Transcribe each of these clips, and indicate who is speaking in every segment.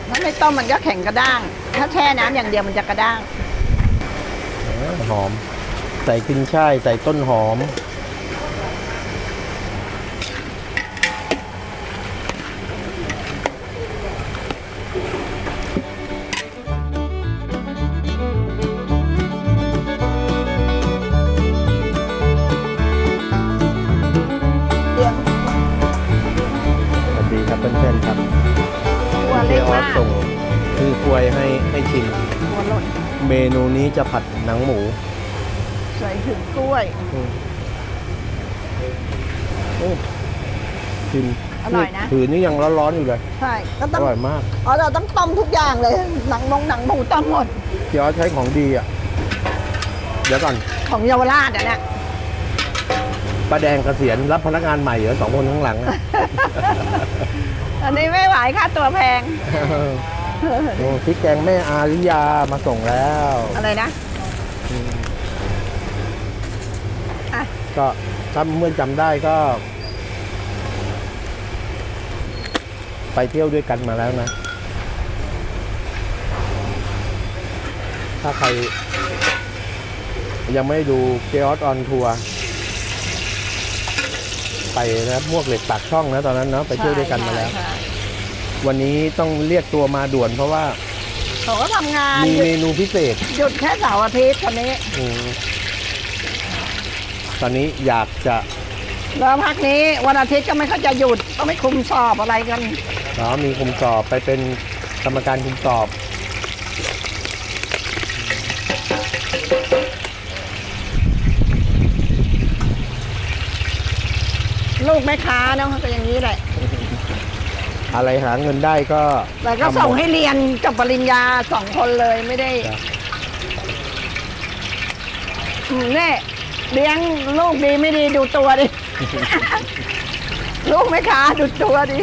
Speaker 1: ถ้าไม่ต้มมันก็แข็งกระด้าง ถ้าแช่น้ำอย่างเดียวมันจะกระด้าง
Speaker 2: หอมใส่ขึ้นช่ายใส่ต้นหอมสวัสดีครับเพื่อนๆครับ
Speaker 1: ตัวเล็
Speaker 2: เจ๊
Speaker 1: ก
Speaker 2: ออ
Speaker 1: มา
Speaker 2: ส
Speaker 1: ก
Speaker 2: ส่งคือกล้วยให้ชิม
Speaker 1: ตัวหล่น
Speaker 2: เมนูนี้จะผัดหนังหมู
Speaker 1: ใส่ถึงกล้วย
Speaker 2: ชิม
Speaker 1: อร่อยนะ
Speaker 2: ถือนี่ยังร้อนๆอยู่เลย
Speaker 1: ใช่ก็
Speaker 2: อ
Speaker 1: ต้อง
Speaker 2: ร่อยมาก
Speaker 1: เราต้องต้มทุกอย่างเลย หนังหมูต้มหมด
Speaker 2: เจ๊ออสใช้ของดีอ่ะเดี๋ยวก่อน
Speaker 1: ของเยาวราชเนี่ย
Speaker 2: ป้าแดงเกษียณรับพนักงานใหม่เหรอ2 คนข้างหลังอะ
Speaker 1: อันนี้ไม่ไหวค่าตัวแพง
Speaker 2: โอ้พริกแกงแม่อาริยามาส่งแล้ว
Speaker 1: อะไรนะอ่ะ
Speaker 2: ก็ถ้าเมื่อจำได้ก็ ไปเที่ยวด้วยกันมาแล้วนะ ถ้าใครยังไม่ดูเจออสออนทัวร์ไปนะมวกเหล็กปากช่องนะตอนนั้นเนาะไปเที่ยวด้วยกันมาแล้ว
Speaker 1: ใช่
Speaker 2: วันนี้ต้องเรียกตัวมาด่วนเพราะว่า
Speaker 1: เขาก็ทำงาน
Speaker 2: มีเมนูพิเศษ
Speaker 1: หยุดแค่เสาร์อาทิตย์คนนี้
Speaker 2: ตอนนี้อยากจะ
Speaker 1: แล้วพักนี้วันอาทิตย์ก็ไม่เขาจะหยุดก็ไม่คุมสอบอะไรกัน
Speaker 2: มีคุมสอบไปเป็นกรรมการคุมสอบ
Speaker 1: ลูกแม่ค้าเนาะก็อย่างนี้แหละ
Speaker 2: อะไรหาเงินได้ก็
Speaker 1: แต่ก็ส่งให้เรียนกับปริญญา2 คนเลยไม่ได้เนี่ยเลี้ยงลูกดีไม่ดีดูตัวดิ ลูกแม่ค้าดูตัวดิ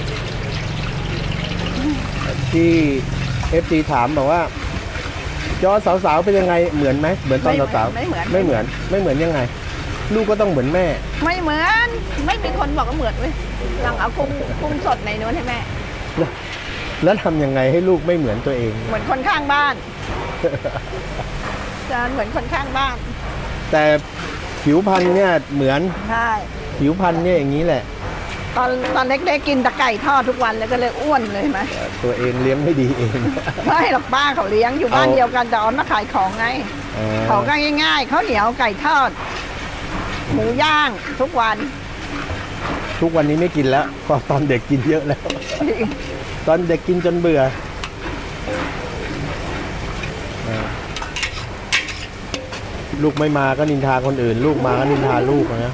Speaker 2: ที่ FT ถามบอกว่าจอสาวๆเป็นยังไงเหมือนไหมเหมือนตอนสาวๆ
Speaker 1: ไม่เหมือน
Speaker 2: ไม่เหมือนยังไง ลูกก็ต้องเหมือนแม่
Speaker 1: ไม่เหมือนไม่มีคนบอกว่าเหมือนเว้ยหลังเอากุ้งสดในนู้นให้แม่
Speaker 2: แล้วทำยังไงให้ลูกไม่เหมือนตัวเอง
Speaker 1: เหมือนคนข้างบ้านจะเหมือนคนข้างบ้าน
Speaker 2: แต่ผิวพรรณเนี่ยเหมือน
Speaker 1: ใช่
Speaker 2: ผิวพรรณเนี่ยอย่างนี้แหละ
Speaker 1: ตอนเล็กๆกินแต่ไก่ทอดทุกวันเลยก็เลยอ้วนเลยไหม
Speaker 2: ตัวเองเลี้ยงไม่ดีเอง
Speaker 1: ไม่หรอกป้าเขาเลี้ยงอยู่บ้าน
Speaker 2: เอา
Speaker 1: เดียวกันแต่ออนมาขายของไงเขาก็ง่ายๆข้าวเหนียวไก่ทอด หมูย่างทุกวัน
Speaker 2: ทุกวันนี้ไม่กินแล้วเพราะตอนเด็กกินเยอะแล้ว ตอนเด็กกินจนเบื่อลูกไม่มาก็นินทาคนอื่น ลูกมาก็นินทาลูกนะ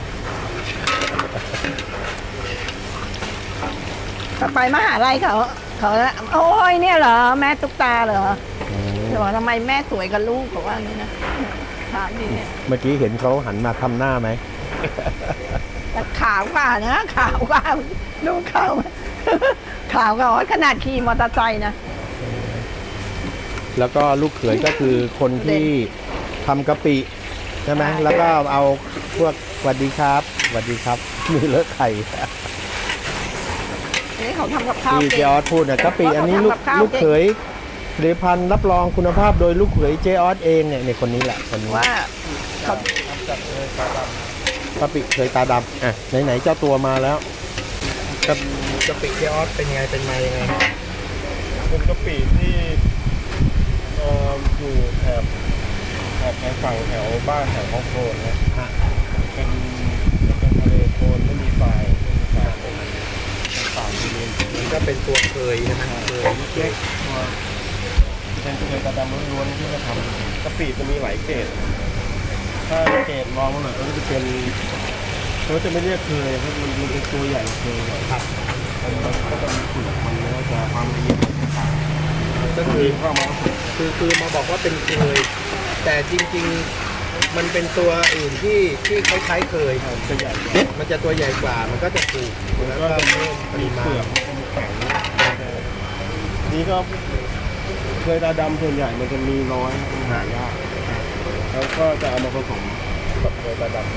Speaker 1: ไปมหาลัยเขาโอ้ยเนี่ยเหรอแม่ตุ๊กตาเหรอจะบอกทำไมแม่สวยกับลูกเขาว่างี้นะถามดิเนี่ย
Speaker 2: เมื่อกี้เห็นเขาหันมาทำหน้าไหม
Speaker 1: แต่ขาวกว่านะขาวกว่าดูขาวขาวกว่าขนาดขี่มอเตอร์ไซค์นะ
Speaker 2: แล้วก็ลูกเขยก็คือคนที่ทำกะปิใช่ไหมแล้วก็เอาพวกสวัสดีครับสวัสดีครับมีเลอะไข่
Speaker 1: นี่เขาทำกับข้าว
Speaker 2: ที่เจ
Speaker 1: เก่ง
Speaker 2: ออสพูดนะกะปิอันนี้ลูก
Speaker 1: เขาทำกับข้าว
Speaker 2: ลูกเขยผลิตภัณฑ์รับรองคุณภาพโดยลูกเขยเจออสเองเนี่ยคนนี้แหละคนนี้
Speaker 1: ว่าเขา
Speaker 2: กะปิเคยตาดำอ่ะไหนๆเจ้าตัวมาแล้วกะปิเจออสเป็นไงเป็นมายังไง
Speaker 3: เป็นกะปิที่อยู่แถบฝั่งแถวบ้านแถวฮ่องโกงนะ
Speaker 2: ฮะ
Speaker 3: เป็นทะเลโคลนไม่มีฝ่ายเป็นป่าดิน
Speaker 2: มันก็เป็นตัวเคยใช่ไหมเคย
Speaker 3: เล็กตัวเป็นเคยกระดำล้วนๆที่จะทำกะปิจะมีหลายเกรดถ้าเกรดมองมาหน่อยก็จะเป็นเขาจะไม่เรียกเคยครับมันเป็นตัวใหญ่เคยครับมันก็จะมีสูตรมันแล้วจะความละเอียดต่างๆก็คือเข้ามา
Speaker 2: คือมาบอกว่าเป็นเคย แต่จริงๆมันเป็นตัวอื่นที่คล้ายๆเคย
Speaker 3: จะใหญ่
Speaker 2: มันจะตัวใหญ่กว่ามันก็จะถูก
Speaker 3: มัน
Speaker 2: แล้ว
Speaker 3: ก็
Speaker 2: ก็
Speaker 3: จะมีเปลือกมีแข็งนี่ก็เคยตาดำส่วนใหญ่มันจะมีน้อยมันหายากแล้วก็จะเอามาผสมกับเคยตาดำ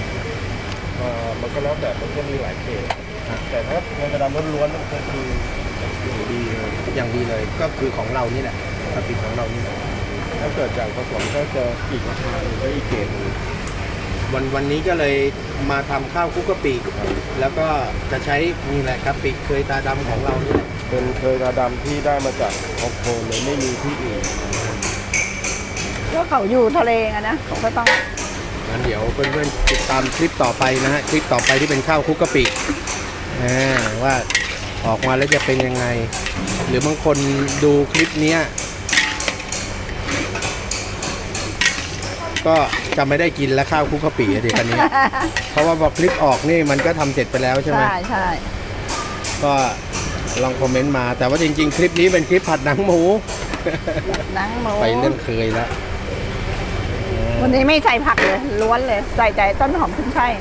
Speaker 3: มันก็แล้วแต่มันก็มีหลายเกรดแต่ถ้าเคยตาดำล้วนๆมันก็คือดีเลย
Speaker 2: อย่างดีเลยก็คือของเรานี่แหละกะปิของเรานี่แหละ
Speaker 3: ถ้าเกิดจากผสมก็จะอีกราคาหนึ่งก็อีกเกรดหนึ่ง
Speaker 2: วันนี้ก็เลยมาทำข้าวคลุกกะปิแล้วก็จะใช้นี่แหละกะปิเคยตาดำของเรานี่แหละ
Speaker 3: เป็นเคยกระดำที่ได้มาจากฮอกโกเลยไม่มีที่อื่น
Speaker 1: ก็เขาอยู่ทะเลอะนะเขาก็ต้อง
Speaker 2: งั้นเดี๋ยวเพื่อนๆติดตามคลิปต่อไปนะฮะคลิปต่อไปที่เป็นข้าวคลุกกะปิว่าออกมาแล้วจะเป็นยังไง หรือบางคนดูคลิปเนี้ยก็จะไม่ได้กินแล้วข้าวคลุกกะปิอะดิคันนี้ เพราะว่าพอคลิปออกนี่มันก็ทำเสร็จไปแล้วใช่ไหม
Speaker 1: ใช่
Speaker 2: ก็ลองคอมเมนต์มาแต่ว่าจริงๆ คลิปนี้เป็นคลิปผัดหนังหมู
Speaker 1: หนังหมู
Speaker 2: ไปเรื่องเคยแล้ว
Speaker 1: วันนี้ไม่ใส่ผักเลยล้วนเลยใส่แต่ต้นหอมขึ้นช่าย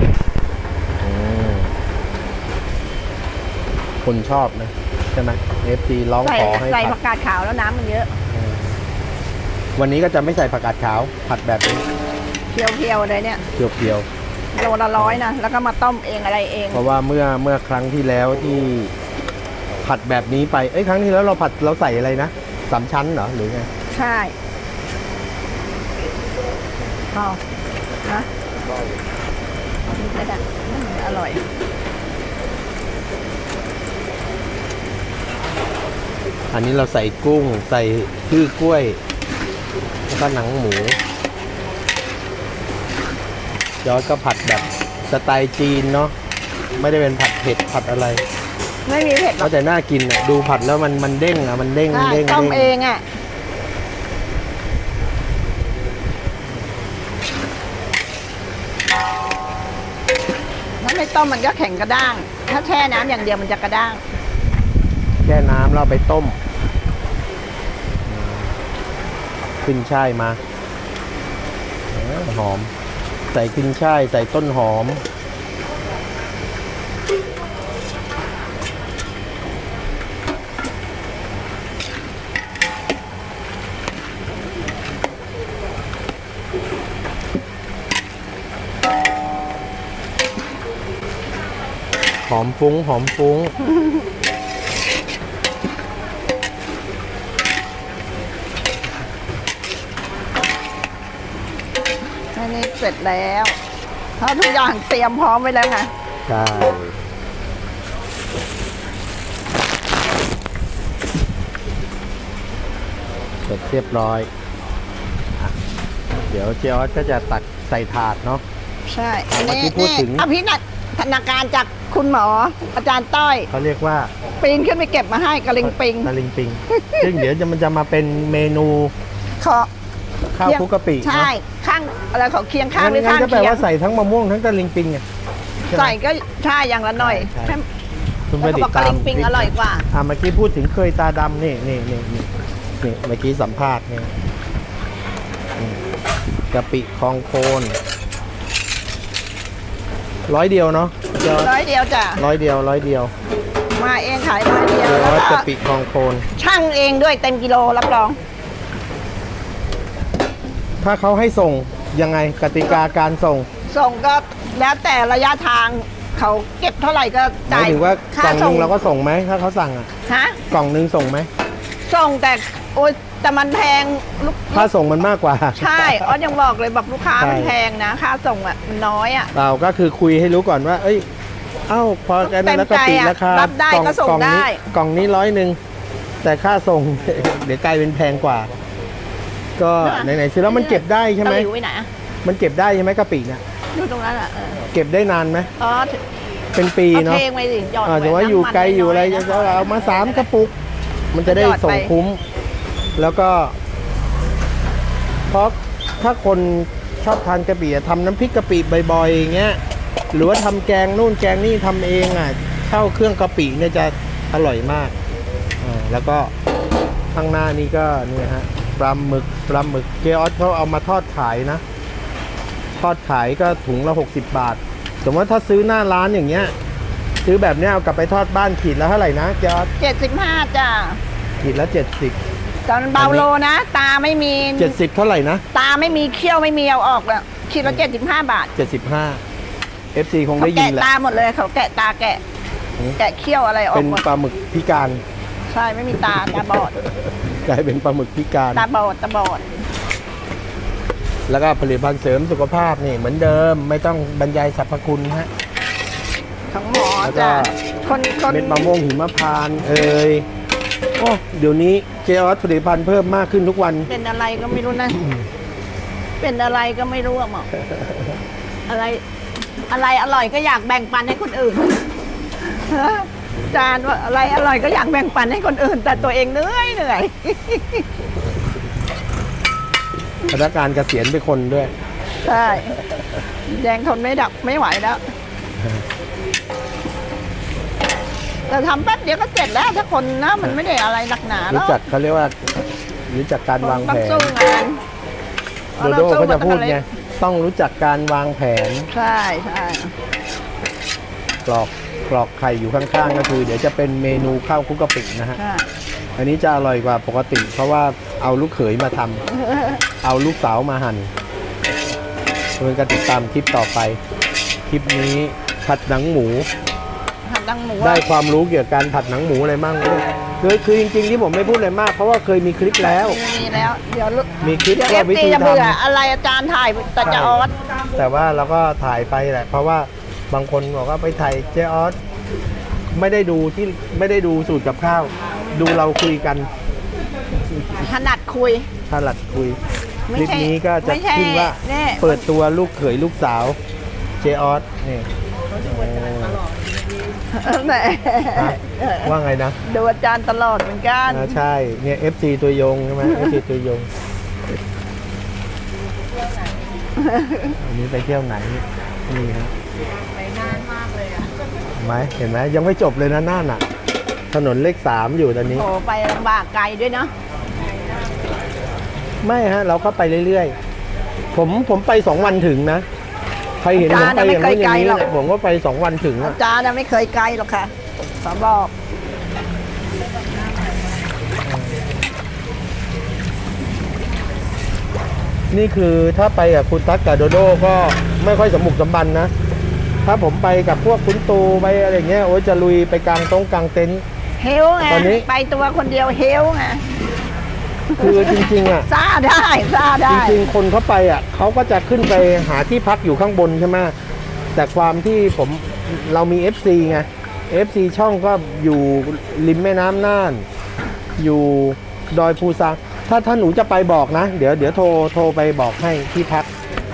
Speaker 2: คนชอบนะใช่ไหม FT ร้อง
Speaker 1: ใส่
Speaker 2: ขอให้
Speaker 1: ใส่
Speaker 2: ผั
Speaker 1: ผั
Speaker 2: ด
Speaker 1: กกาดขาวแล้วน้ำมันเยอะ
Speaker 2: วันนี้ก็จะไม่ใส่ผักกาดขาว ผัดแบบนี้
Speaker 1: เพียวๆเลยเนี่ย
Speaker 2: เพียว
Speaker 1: โลละ100นะแล้วก็มาต้มเองอะไรเอง
Speaker 2: ๆเพราะว่าเมื่อครั้งที่แล้วที่ผัดแบบนี้ไปครั้งที่แล้วเราผัดเราใส่อะไรนะสามชั้นเหรอหรือไง
Speaker 1: ใช่เอานะไม่ได้อร่อย
Speaker 2: อันนี้เราใส่กุ้งใส่พืชกล้วยแล้วก็หนังหมูยอดก็ผัดแบบสไตล์จีนเนาะไม่ได้เป็นผัดเผ็ดผัดอะไร
Speaker 1: ไม่มีเผ็ดหรอก
Speaker 2: ก็แต่น่ากินอ่ะดูผัดแล้วมันเด้งอ่ะมันเด้ง
Speaker 1: ใช่
Speaker 2: เด้ง
Speaker 1: ต้ม
Speaker 2: เด้ง
Speaker 1: เองอ่ะถ้าไม่ต้มมันก็แข็งกระด้าง ถ้าแช่น้ำอย่างเดียวมันจะกระด้าง
Speaker 2: แช่น้ำแล้วเอาไปต้มขึ้นช่ายมาหอมใส่ขึ้นช่ายใส่ต้นหอมหอมฟุ้งหอมฟุ้ง
Speaker 1: อันนี้เสร็จแล้วเพราะทุกอย่างเตรียมพร้อมไว้แล้วไง
Speaker 2: ใช่เสร็จเรียบร้อยอ่ะเดี๋ยวเจออสก็จะตักใส่ถาดเนาะ
Speaker 1: ใช่
Speaker 2: เมื่อกี้พูดถึง
Speaker 1: อภินันทนาการจากคุณหมอ อาจารย์ต้อย
Speaker 2: เขาเรียกว่า
Speaker 1: ปีนขึ้นไปเก็บมาให้กระลิงปิง
Speaker 2: ตะลิงปิง ซึ่งเดี๋ยวมันจะมาเป็นเมนู
Speaker 1: ขอ
Speaker 2: ข้าวคลุกกะปิ
Speaker 1: ใช่
Speaker 2: เนอะ
Speaker 1: ข้างอะไรของเคียงข้างหรือ
Speaker 2: งั้
Speaker 1: ข้าน ง
Speaker 2: ก็แปล
Speaker 1: เคียง
Speaker 2: ว่าใส่ทั้งมะม่วงทั้งตะลิงปิงไงใช่ไหม
Speaker 1: ใส่ก็ใช่อย่างละหน่อย
Speaker 2: ใช่
Speaker 1: แค่
Speaker 2: คุณ
Speaker 1: แล้ว
Speaker 2: ไป
Speaker 1: เขา
Speaker 2: ติ
Speaker 1: บอ
Speaker 2: ด
Speaker 1: กกระ
Speaker 2: ตาม
Speaker 1: ลิงปิงอร่อยกว่า
Speaker 2: เมื่อกี้พูดถึงเคยตาดำนี่เมื่อกี้สัมภาษณ์นี่กะปิคลองโคน100 เดียวเนาะเดี๋ยว
Speaker 1: ร้อยเดียวจ้ะ
Speaker 2: 100 เดียว
Speaker 1: มาเองขายร้อยเดียว
Speaker 2: เดี๋ยว
Speaker 1: แล้วก็
Speaker 2: กะปิคลองโคน
Speaker 1: ช่างเองด้วยเต็มกิโลรับรอง
Speaker 2: ถ้าเขาให้ส่งยังไงกติกาการส่ง
Speaker 1: ส่งก็แล้วแต่ระยะทางเขาเก็บเท่าไหร่ก็
Speaker 2: หมา
Speaker 1: จ่าย
Speaker 2: ยถึงว่ากล่องหนึงเราก็ส่งไหมถ้าเขาสั่งอ่ะ
Speaker 1: ฮะ
Speaker 2: กล่องหนึงส่งไหม
Speaker 1: ส่งแต่โอ๊ยแต่มันแพงลูก
Speaker 2: ค่าส่งมันมากกว่า
Speaker 1: ใช่ออสยังบอกเลยบอกลูกค้า
Speaker 2: ใช่
Speaker 1: มันแพงนะค่าส่งอ่ะมันน้อยอ่ะ
Speaker 2: เราก็คือคุยให้รู้ก่อนว่า เอ้ย เอ้า พอกันแล้วก็ติราคา
Speaker 1: รับได้ก็ส่งได้
Speaker 2: กล่องนี้100แต่ค่าส่ง เดี๋ยวกลายเป็นแพงกว่า ก็ไหนๆซื้อแล้วมันเก็บได้ใช่ไหม
Speaker 1: ตะลิวไว้ไหนอะ
Speaker 2: มันเก็บได้ใช่ไหมกะปิเนี่ย
Speaker 1: อยู่ตรงนั้นอ่ะ
Speaker 2: เก็บได้นานไหม
Speaker 1: อ๋อ
Speaker 2: เป็นปี
Speaker 1: เอา
Speaker 2: เนาะ
Speaker 1: เทงไว้สิหยอด
Speaker 2: ถือว่าอยู่ไกลอยู่อะไร
Speaker 1: น้ำมัน
Speaker 2: จะ
Speaker 1: น้ยๆ
Speaker 2: เอามา3 กระปุก มันจะได้
Speaker 1: หยอดไป
Speaker 2: ส่งคุ้ม แล้วก็ เพราะถ้าคนชอบทานกะปิอะทำน้ำพริกกะปิบ่อยๆอย่างเงี้ย หรือว่าทำแกงนู่นแกงนี่ทำเองอ่ะเข้าเครื่องกะปิเนี่ยจะอร่อยมากแล้วก็ข้างหน้านี่ก็เนี่ยฮะปลาหมึกเจออสเขาเอามาทอดขายนะ ทอดขายก็ถุงละ60 บาท สมมติว่าถ้าซื้อหน้าร้านอย่างเงี้ย ซื้อแบบเนี้ยเอากลับไปทอดบ้านขีดละเท่าไหร่นะเจออส
Speaker 1: 75จ้ะ
Speaker 2: ขีดละ70
Speaker 1: ตอนเบาโลนะ ตาไม่มี
Speaker 2: 70เท่าไหร่นะ
Speaker 1: ตาไม่มีเขี้ยวไม่มีเอาออกแล้วคิดละ75 บาท
Speaker 2: 75 FC คง
Speaker 1: เขา
Speaker 2: ได้ยิน
Speaker 1: แกะ
Speaker 2: แหละ
Speaker 1: ตาหมดเลยเขาแกะตาแกะแกะเขี้ยวอะไรออ
Speaker 2: เป็
Speaker 1: ก
Speaker 2: น
Speaker 1: หมด
Speaker 2: ปลาหมึกพิการ
Speaker 1: ใช่ไม่มีตาบอด
Speaker 2: กลายเป็นปลาหมึกพิการ
Speaker 1: ตาบอด
Speaker 2: แล้วก็ผลิตภัณฑ์เสริมสุขภาพนี่เหมือนเดิมไม่ต้องบรรยายสรรพคุณฮะ
Speaker 1: ของหมอ
Speaker 2: แล้วก็
Speaker 1: จ้ะคน
Speaker 2: เม็ดมะม่วงหิมพานต์โอ้เดี๋ยวนี้เจออสผลิตภัณฑ์เพิ่มมากขึ้นทุกวัน
Speaker 1: เป็นอะไรก็ไม่รู้นะ เป็นอะไรก็ไม่รู้อะหมออะไรอร่อยก็อยากแบ่งปันให้คนอื่น จานว่าอะไรอร่อยก็อยากแบ่งปันให้คนอื่น แต่ตัวเองเหนื่อย
Speaker 2: พนักงานเกษียณไปคนด้วย
Speaker 1: ใช่แดงทนไม่ไหวแล้วแต่ทำแป๊บเดียวก็เสร็จแล้วถ้าคนนะมันไม่ได้อะไรหนักหนาหร
Speaker 2: รู้
Speaker 1: อก
Speaker 2: จักเขาเรียกว่ารู้จักการวาง
Speaker 1: ต้
Speaker 2: แผ
Speaker 1: อง
Speaker 2: น
Speaker 1: สู้งาน
Speaker 2: โดโดเขาจะพูดไงต้องรู้จักการวางแผน
Speaker 1: ใช่
Speaker 2: กรอกไข่อยู่ข้างๆก็คือ เดี๋ยวจะเป็นเมนูข้าวคลุกกะปินะฮะ
Speaker 1: ใช่
Speaker 2: อันนี้จะอร่อยกว่าปกติ เพราะว่าเอาลูกเขยมาทำเอาลูกสาวมาหั่นเพื่อนก็ติดตามคลิปต่อไป คลิปนี้ผัดหนังหมู
Speaker 1: หันดังหมู
Speaker 2: ได้ความรู้เกี่ยวกับการผัดหนังหมูอะไรมั่งคือจริงๆที่ผมไม่พูดอะไรมาก เพราะว่าเคยมีคลิปแล้ว
Speaker 1: มีแล้วเดี๋ยว
Speaker 2: มีคลิป
Speaker 1: เดี๋ยว
Speaker 2: ว่าวิ
Speaker 1: FT
Speaker 2: ธี
Speaker 1: จะ
Speaker 2: ท
Speaker 1: เบื่ออะไรอาจารย์ถ่ายแต่จะออส
Speaker 2: ำแต่ว่าเราก็ถ่ายไปแหละ เพราะว่าบางคนบอกว่าไปถ่ายเจออสไม่ได้ดูสูตรกับข้าว ดูเราคุยกัน
Speaker 1: ถนัดคุย
Speaker 2: ถนัดคุย
Speaker 1: ไม่
Speaker 2: คลิป
Speaker 1: ใช่
Speaker 2: นี้ก็จะ
Speaker 1: ไม่ใช่
Speaker 2: ขึ้นว่า
Speaker 1: นี่
Speaker 2: เปิดตัวลูกเขยลูกสาวเจออสนี่
Speaker 1: แหม
Speaker 2: ฮะว่าไงนะ
Speaker 1: ดูอาจารย์ตลอดเหมือนกัน
Speaker 2: ใช่เนี่ย FC ตัวยงใช่ไหม FC ตัวยงอันนี้ไปเที่ยวไหนนี่ฮะไปนานมากเลยอ่ะเห็นไหมยังไม่จบเลยนะน่านอ่ะ ถนนเลข 3อยู่ตอนนี้
Speaker 1: โอ้ไปลำบากไกลด้วยเนาะ
Speaker 2: ไม่ฮะ เราก็ไปเรื่อยๆ ผมไป2 วันถึงนะ ใครเห็นผมไปอย่างนู้นอย่างนี้เนี่ยผมก็ไป2 วันถึง
Speaker 1: อา
Speaker 2: อะ
Speaker 1: จารย์น่ะไม่เคยไกลหรอกค่ะขอบอก
Speaker 2: นี่คือถ้าไปกับคุณตั๊กกับโดโดก็ไม่ค่อยสมบุกสมบันนะ ถ้าผมไปกับพวกคุณตูไปอะไรเงี้ยโอ้ยจะลุยไปกลางกลางเต็นท์
Speaker 1: เฮลไง
Speaker 2: ตอนนี้
Speaker 1: ไปตัวคนเดียวเฮลไง
Speaker 2: คือจริงๆอ่ะ
Speaker 1: ซ่าได้
Speaker 2: จริงๆ คนเขาไปอ่ะเขาก็จะขึ้นไปหาที่พักอยู่ข้างบนใช่ไหมแต่ความที่เรามี FC ไง FC ช่องก็อยู่ริมแม่น้ำน่าน อยู่ดอยภูซางถ้าหนูจะไปบอกนะ เดี๋ยวโทรไปบอกให้ที่พัก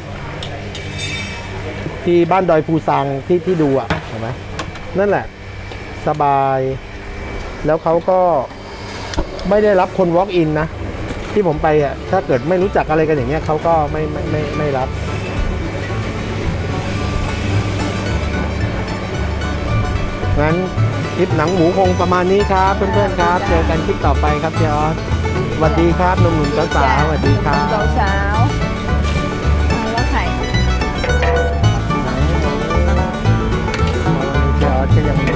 Speaker 2: ที่บ้านดอยภูซางที่ดูอ่ะเห็นไหมนั่นแหละ สบาย แล้วเขาก็ไม่ได้รับคน walk in นะ ที่ผมไปอ่ะถ้าเกิดไม่รู้จักอะไรกันอย่างเงี้ยเขาก็ไม่รับงั้นคลิปหนังหมูคงประมาณนี้ครับเพื่อนๆครับเจอกันคลิปต่อไปครับเจออสสวัสดีครับหนุ่มๆสาวๆสวัสดีครับ
Speaker 1: สาวๆแล้วไข่
Speaker 2: เจออสก็ยัง